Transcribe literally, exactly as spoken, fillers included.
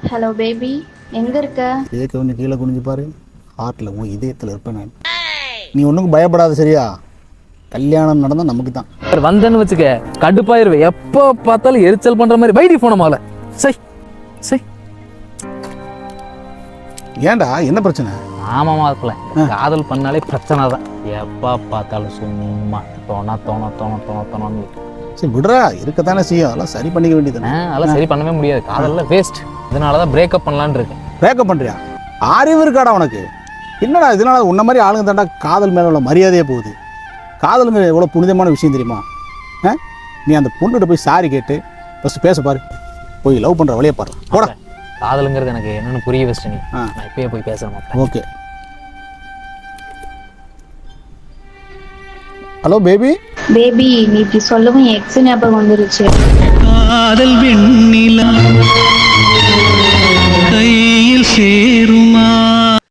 Hello baby, எங்க இருக்க? இதுக்கு கொஞ்சம் கீழே குனிஞ்சு பாரு. ஹார்ட்டில் உன் இதயத்தில் இருப்பேன் நான். நீ ஒன்றுக்கும் பயப்படாத, சரியா? கல்யாணம் நடந்தால் நமக்கு தான். வந்தேன்னு வச்சுக்க கடுப்பாயிருவேன். எப்போ பார்த்தாலும் எரிச்சல் பண்ற மாதிரி வைடி போன மாலை. சை சை ஏன்டா, என்ன பிரச்சனை? ஆமாமா இருக்குல்ல, காதல் பண்ணாலே பிரச்சனை தான். எப்போ பார்த்தாலும் சும்மா தோணா தோண தோண தோண தோணு. சரி விடுறா, இருக்கத்தானே செய்யும். அதெல்லாம் சரி பண்ணிக்க வேண்டியது. அதெல்லாம் சரி பண்ணவே முடியாது. காதல்ல வேஸ்ட். இதனாலதான் பிரேக்கப் பண்ணலான்னு இருக்கேன். பிரேக்கப் பண்றியா? அறிவு இருக்காடா உனக்கு? என்னடா இதனால உன்ன மாதிரி ஆளுங்க தாண்டா காதல் மேல உள்ள மரியாதையே போகுது. காதலுங்க எவ்வளோ புனிதமான விஷயம் தெரியுமா? ஆ, நீ அந்த பொண்ணுகிட்ட போய் சாரி கேட்டு ஃபஸ்ட்டு பேச பாரு. போய் லவ் பண்ணுற வழியை பாரு. போடா. காதலுங்கிறது எனக்கு என்னன்னு புரிய வச்சுட்டு நீ. நான் இப்பயே போய் பேச மாட்டேன். ஓகே. Hello baby. பேபி, நீ இப்படி சொல்லவும் என் எக்ஸ் ஞாபகம் வந்துருச்சு. காதல் வெண்ணிலா கையில் சேருமா?